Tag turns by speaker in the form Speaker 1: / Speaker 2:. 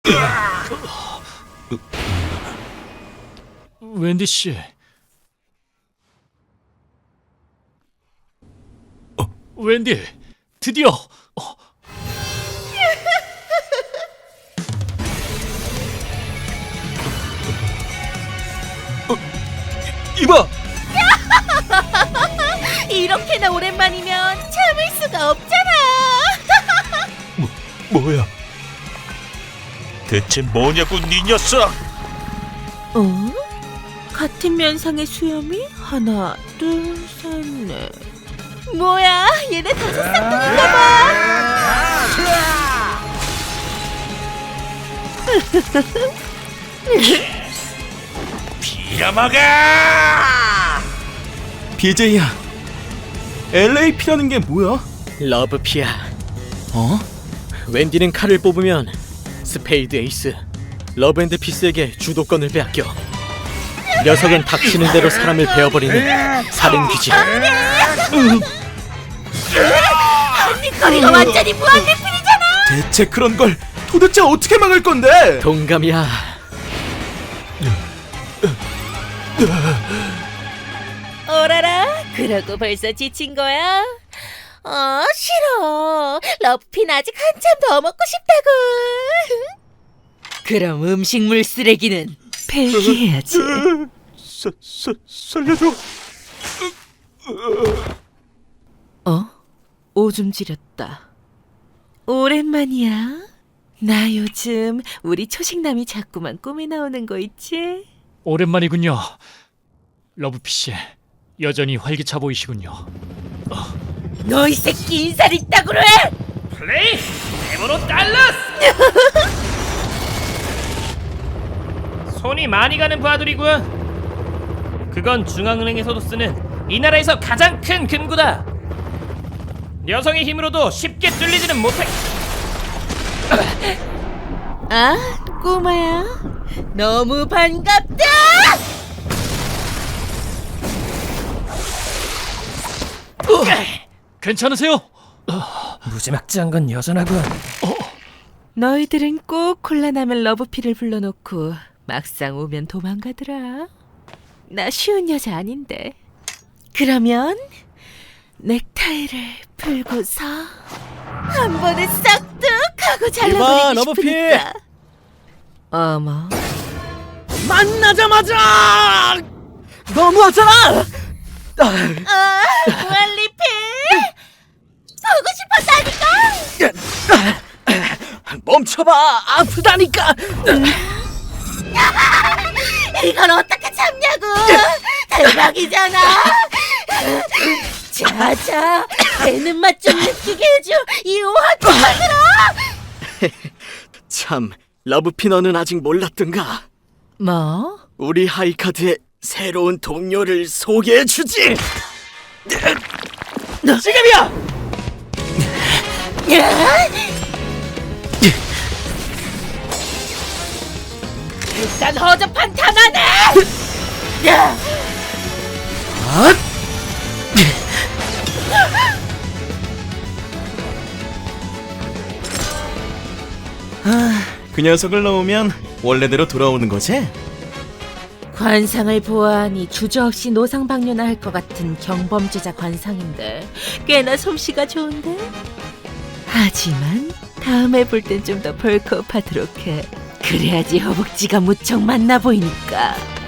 Speaker 1: 웬디 씨. 웬디, 드디어. 이봐.
Speaker 2: 이렇게나 오랜만이면 참을 수가 없잖아.
Speaker 3: 뭐야? 대체 뭐냐고 네 녀석!
Speaker 2: 어? 같은 면상의 수염이 하나, 둘, 셋, 넷. 뭐야? 얘네 다섯 쌍둥이인가 봐.
Speaker 3: 빌어먹어!
Speaker 4: BJ야, LAP라는 게 뭐야?
Speaker 5: 러브피아.
Speaker 4: 어?
Speaker 5: 웬디는 칼을 뽑으면 스페이드 에이스 러브앤드피스에게 주도권을 빼앗겨. 녀석은 닥치는 대로 사람을 베어버리는 살인귀지.
Speaker 2: 한입거리가 완전히 무한리필이잖아.
Speaker 4: 대체 그런 걸 도대체 어떻게 막을 건데?
Speaker 5: 동감이야.
Speaker 2: 오라라, 그러고 벌써 지친 거야? 싫어. 러브핀 아직 한참 더 먹고 싶다고. 그럼 음식물 쓰레기는 폐기해야지.
Speaker 3: 살려줘!
Speaker 2: 오줌 지렸다. 오랜만이야. 나 요즘 우리 초식남이 자꾸만 꿈에 나오는 거 있지?
Speaker 1: 오랜만이군요. 러브피 씨, 여전히 활기차 보이시군요.
Speaker 2: 너 이 새끼 인사를 이따구로 해!
Speaker 6: 플레이! 데모로 달러스! 손이 많이 가는 부하들이군. 그건 중앙은행에서도 쓰는 이 나라에서 가장 큰 금고다. 여성의 힘으로도 쉽게 뚫리지는 못해.
Speaker 2: 아, 꼬마야. 너무 반갑다!
Speaker 1: 괜찮으세요?
Speaker 6: 무지막지한 건 여전하군.
Speaker 2: 너희들은 꼭 콜라나면 러브피를 불러놓고 막상 오면 도망가더라. 나 쉬운 여자 아닌데. 그러면 넥타이를 풀고서 한 번에 싹둑 하고 잘라버리고
Speaker 5: 러브피!
Speaker 2: 싶으니까. 어머,
Speaker 5: 만나자마자 너무하잖아.
Speaker 2: 무한리필! 보고 싶었다니까!
Speaker 5: 멈춰봐. 아프다니까.
Speaker 2: 이걸 어떻게 참냐고! 대박이잖아! 자자, 배는 맛 좀 느끼게 해줘! 이 오한테 들어!
Speaker 5: 참, 러브피 너는 아직 몰랐던가?
Speaker 2: 뭐?
Speaker 5: 우리 하이카드의 새로운 동료를 소개해주지. 지금이야.
Speaker 2: 일단 허접한 탐하네!
Speaker 4: 그 녀석을 넣으면 원래대로 돌아오는 거지?
Speaker 2: 관상을 보아하니 주저없이 노상방뇨나 할 것 같은 경범죄자 관상인데 꽤나 솜씨가 좋은데? 하지만 다음에 볼 땐 좀 더 벌크업하도록 해. 그래야지 허벅지가 무척 만나 보이니까.